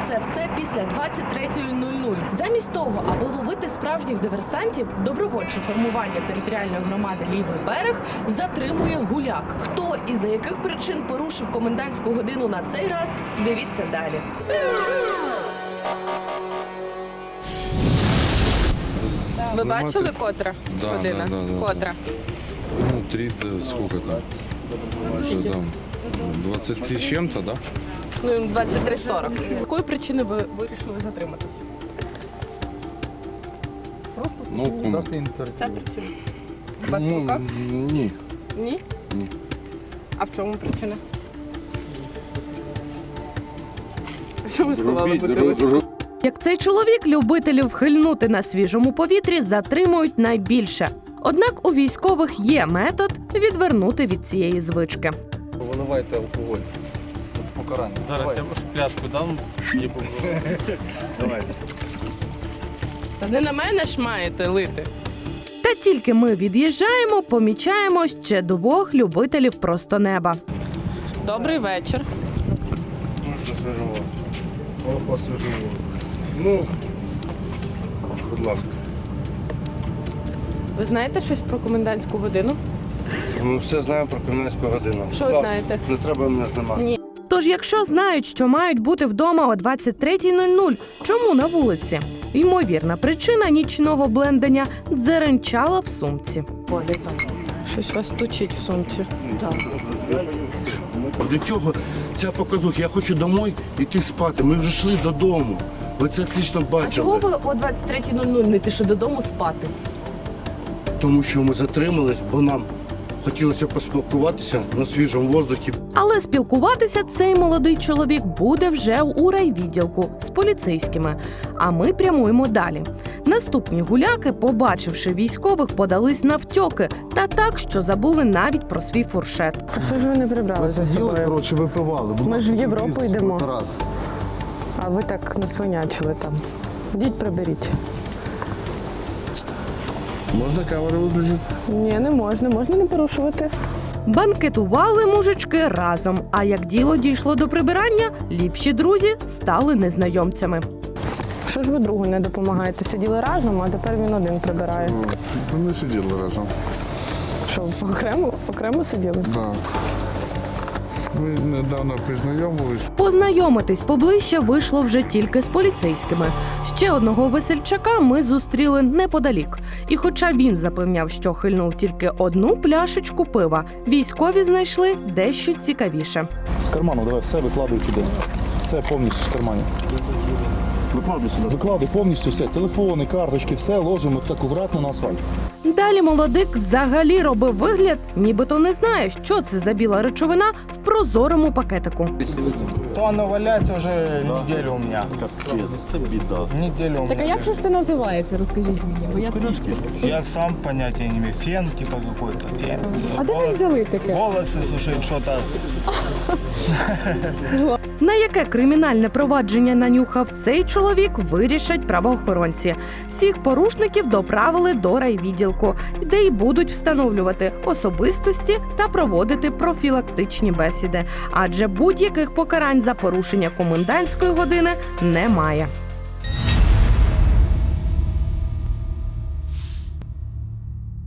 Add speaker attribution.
Speaker 1: це все після 23:00. Замість того, аби ловити справжніх диверсантів, добровольче формування територіальної громади «Лівий берег» затримує гуляк. Хто і за яких причин порушив комендантську годину на цей раз, дивіться далі. Ви бачили, котра година? Котра?
Speaker 2: Ну, 3, сколько там? Уже там 23 с чем-то, да?
Speaker 1: Ну, 23:40. З якої причини ви вирішили затриматись?
Speaker 2: Ну, кому?
Speaker 1: Ця причина? У вас в руках?
Speaker 2: Ні.
Speaker 1: Ні?
Speaker 2: Ні.
Speaker 1: А в чому причина? Що ви сховали бутилочку? Як цей чоловік, любителів хильнути на свіжому повітрі затримують найбільше. Однак у військових є метод відвернути від цієї звички.
Speaker 3: Виливайте алкоголь. Покарання.
Speaker 4: Зараз я вашу клятку дам.
Speaker 3: Давай.
Speaker 1: Та не на мене ж маєте лити. Та тільки ми від'їжджаємо, помічаємо ще двох любителів просто неба. Добрий вечір.
Speaker 3: Освіжимо. Ну, будь ласка.
Speaker 1: Ви знаєте щось про комендантську годину?
Speaker 3: Ми все знаємо про комендантську годину.
Speaker 1: Що
Speaker 3: Будь
Speaker 1: ви
Speaker 3: ласка,
Speaker 1: знаєте?
Speaker 3: Не треба мене знімати.
Speaker 1: Ні. Тож, якщо знають, що мають бути вдома о 23:00, чому на вулиці? Ймовірна причина нічного блендення – дзеренчала в сумці. Щось вас точить в сумці.
Speaker 3: Для чого ця показуха? Я хочу домой йти спати. Ми вже йшли додому. Ви це отлично
Speaker 1: А
Speaker 3: бачили.
Speaker 1: чого ви о 23:00 не пішли додому спати?
Speaker 3: Тому що ми затримались, бо нам хотілося поспілкуватися на свіжому воздухі.
Speaker 1: Але спілкуватися цей молодий чоловік буде вже у райвідділку з поліцейськими. А ми прямуємо далі. Наступні гуляки, побачивши військових, подались навтьоки. Та так, що забули навіть про свій фуршет.
Speaker 5: А що ж ви не прибрали за
Speaker 3: Сиділи,
Speaker 5: собою?
Speaker 3: коротше, випивали.
Speaker 5: Ми ж в Європу йдемо.
Speaker 3: Тарас.
Speaker 5: А ви так насвинячили там. Йдіть приберіть.
Speaker 2: Можна камеру виключити?
Speaker 5: Ні, не можна. Можна не порушувати.
Speaker 1: Банкетували мужички разом. А як діло дійшло до прибирання, ліпші друзі стали незнайомцями.
Speaker 5: Що ж ви другу не допомагаєте? Сиділи разом, а тепер він один прибирає.
Speaker 2: Ми сиділи разом.
Speaker 5: Що, окремо сиділи?
Speaker 2: Да. Ми недавно познайомились.
Speaker 1: Познайомитись поближче вийшло вже тільки з поліцейськими. Ще одного весельчака ми зустріли неподалік. І хоча він запевняв, що хильнув тільки одну пляшечку пива, військові знайшли дещо цікавіше.
Speaker 6: З карману давай все викладуй туди. Все повністю з карманів.
Speaker 3: Викладуй сюди.
Speaker 6: Викладуй повністю все. Телефони, карточки, все ложимо так акуратно на асфальт.
Speaker 1: Далі молодик взагалі робив вигляд, нібито не знає, що це за біла речовина в прозорому пакетику.
Speaker 3: То воно валяється вже неділю у мене.
Speaker 6: Це біда.
Speaker 3: Неділю у
Speaker 5: Так а
Speaker 3: мене.
Speaker 5: як же ж це називається? Розкажіть мені. Бо я трошки...
Speaker 3: Я сам понятия не имею. Фен, типа какой-то. Фен.
Speaker 5: А де ви взяли таке?
Speaker 3: Волосы сушить, что-то.
Speaker 1: На яке кримінальне провадження нанюхав цей чоловік, вирішать правоохоронці. Всіх порушників доправили до райвідділку, де й будуть встановлювати особистості та проводити профілактичні бесіди. Адже будь-яких покарань за порушення комендантської години немає.